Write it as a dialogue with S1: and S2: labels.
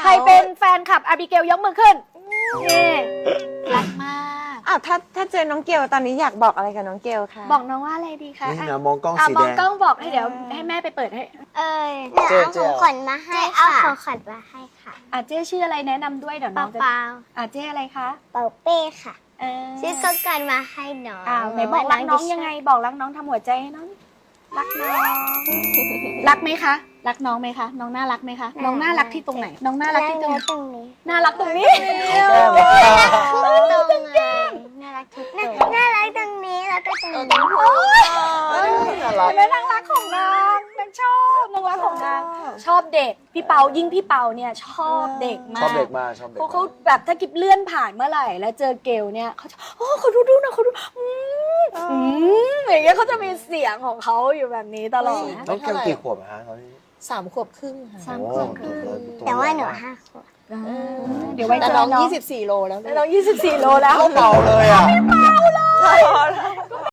S1: ใครเป็นแฟนคลับอาบิเกลยกมือขึ้นนี่รักมาก
S2: ถ้าเจอน้องเกลตอนนี้อยากบอกอะไรกับน้องเกลคะ
S1: บอกน้องว่าอะไรดีคะ
S3: นี่นะมองกล้องสี
S1: ม
S3: แด
S1: อง
S3: ง
S1: กล้องบอกให้เดี๋ยวให้แม่ไปเปิดให้
S4: เดี๋ยวเอาของขวัญมาให้ค่ะเอาของขวัญมาให้ค่ะ
S1: เจ๊ชื่ออะไรแนะนำด้วยเดี๋ยวน้
S4: เปา
S1: องจะ
S4: เปา
S1: เจ๊อะไรคะ
S4: เปาเป้ค่ะ
S1: เออ
S4: ซื้อข้าวกันมาให้น้อง
S1: ไหนบอกรักน้องยังไงบอกรักน้องทำหัวใจให้น้องรักน้องรักไหมคะรักน้องไหมคะน้องน่ารักไหมคะน้องน่ารักที่ตรงไหนน้องน่ารักที่ตรงไหน
S4: ตรงนี้
S1: น่ารักตรงนี้
S4: ตรงไงน่ารักทุกตรงน่ารักตรงนี้แล้วก็ตรงนี้
S1: แม่นางรักของนางนางชอบนางรักของนางชอบเด็กพี่เปายิ่งพี่เปาเนี่ยชอบเด็กมาก
S3: ชอบเด็กมากชอบเด็ก
S1: เพราะเขาแบบถ้ากิบเลื่อนผ่านเมื่อไหร่แล้วเจอเกลเนี่ยเขาจะเขาดูนะเขาดูอย่างเงี้ยเขาจะมีเสียงของเขาอยู่แบบนี้ตลอดนะ
S3: น้องเกลกี่ขวบฮะเขานี่
S5: 3 ขวบครึ่งค่ะ
S1: สามขวบครึ่ง
S4: แต่ว่าหนู5 ขวบ
S1: เดี๋ยวไว้
S5: แต่
S1: เจอ
S5: น้อง
S1: น้อง
S5: 24 โลแล้ว
S1: น้อง24 โลแล้ว
S3: เบาเลยอ่ะ
S1: ไม่